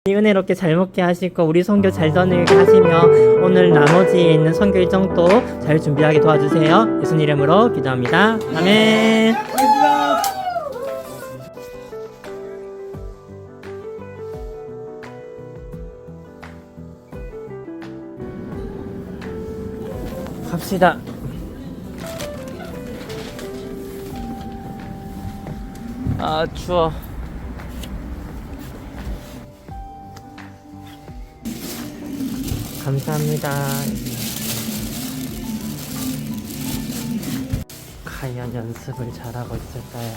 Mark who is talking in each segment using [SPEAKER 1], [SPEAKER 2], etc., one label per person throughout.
[SPEAKER 1] 은혜롭게 잘 먹게 하시고 우리 선교 잘 전하게 하시며 오늘 나머지에 있는 선교 일정도 잘 준비하게 도와주세요. 예수님 이름으로 기도합니다. 아멘. 갑시다. 아 추워. 감사합니다. 과연 연습을 잘하고 있을까요?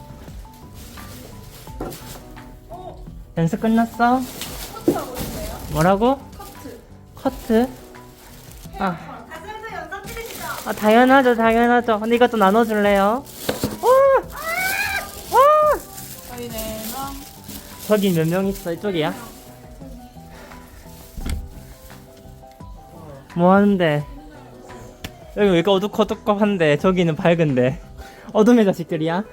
[SPEAKER 1] 연습 끝났어?
[SPEAKER 2] 커트하고 있어요.
[SPEAKER 1] 뭐라고?
[SPEAKER 2] 커트.
[SPEAKER 1] 커트? 아,
[SPEAKER 2] 다시 한번 영상 찍으시죠.
[SPEAKER 1] 당연하죠, 당연하죠. 근데 이것도 나눠줄래요?
[SPEAKER 2] 저희는
[SPEAKER 1] 저기 몇 명 있어? 이쪽이야? 뭐 하는데? 여기 왜 이렇게 어둑어둑한데 저기는 밝은데 어둠의 자식들이야?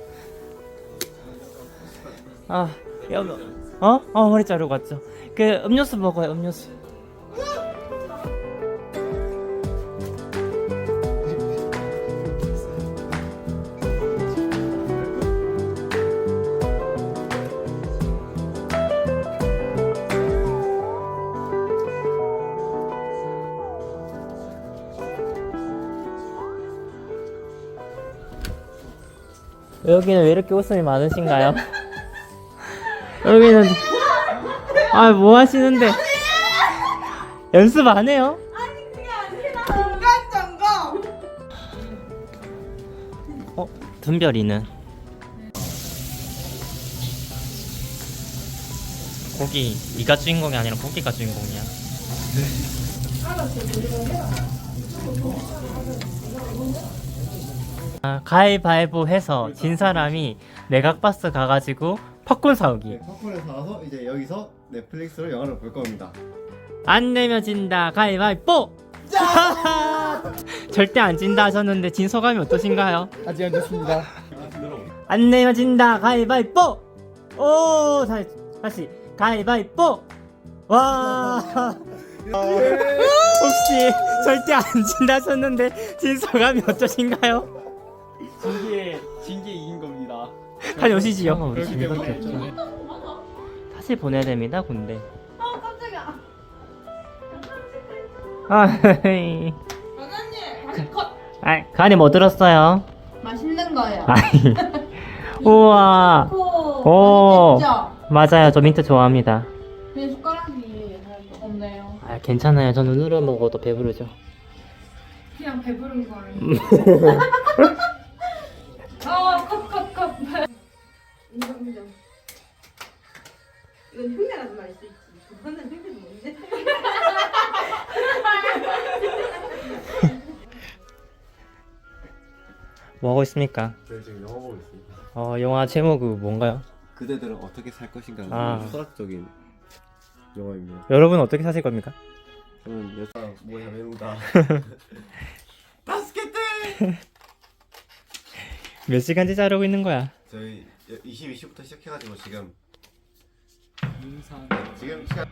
[SPEAKER 1] 아, 머리 자르고 왔죠. 그 음료수 먹어요, 음료수. 여기는 왜 이렇게 웃음이 많으신가요? 여기는 뭐 하시는데? 연습 안 해요?
[SPEAKER 2] 아니 그게 아니라 중간 점검.
[SPEAKER 1] 둔별이는 고기 네가 주인공이 아니라 고기가 주인공이야. 가위바위보 해서 진 사람이 메가박스 가가지고 팝콘 사오기.
[SPEAKER 3] 네, 팝콘을 사와서 이제 여기서 넷플릭스로 영화를 볼 겁니다.
[SPEAKER 1] 안 내면 진다. 가위바위보. 절대 안 진다 하셨는데 진 소감이 어떠신가요?
[SPEAKER 3] 아직 안 됐습니다.
[SPEAKER 1] 안 내면 진다. 가위바위보. 오, 다시 가위바위보. 와. 혹시 절대 안 진다 하셨는데 진 소감이 어떠신가요?
[SPEAKER 3] 진게 이긴 겁니다.
[SPEAKER 1] 빨리 오시지요. 우리
[SPEAKER 3] 그렇기
[SPEAKER 1] 진이밖에
[SPEAKER 3] 때문에.
[SPEAKER 1] 없잖아. 다시 보내야 됩니다, 군대.
[SPEAKER 2] 깜짝이야.
[SPEAKER 1] 아이,
[SPEAKER 2] 과장님 다시 컷.
[SPEAKER 1] 간이 뭐 들었어요?
[SPEAKER 2] 맛있는 거예요.
[SPEAKER 1] 아이, 우와. 오.
[SPEAKER 2] 맛있겠죠?
[SPEAKER 1] 맞아요, 저 민트 좋아합니다.
[SPEAKER 2] 내 숟가락이 없네요.
[SPEAKER 1] 괜찮아요. 저 눈으로 먹어도 배부르죠.
[SPEAKER 2] 그냥 배부른 거 아니에요? 컵. 인정. 이건 흉내라도 날 수 있지. 그거는 흉내도 뭔데?
[SPEAKER 1] 뭐 하고 있습니까?
[SPEAKER 3] 저희 지금 영화 보고 있습니다.
[SPEAKER 1] 영화 제목이 뭔가요?
[SPEAKER 3] 그대들은 어떻게 살 것인가
[SPEAKER 1] 아.
[SPEAKER 3] 철학적인 영화입니다.
[SPEAKER 1] 여러분 어떻게 사실 겁니까?
[SPEAKER 3] 저는 여자 뭐야 외우다.
[SPEAKER 1] 몇 시간째 자르고 있는 거야?
[SPEAKER 3] 저희 22시부터 시작해가지고 지금 지금 시간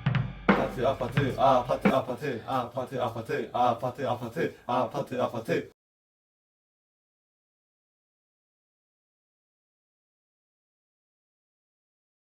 [SPEAKER 3] 아파트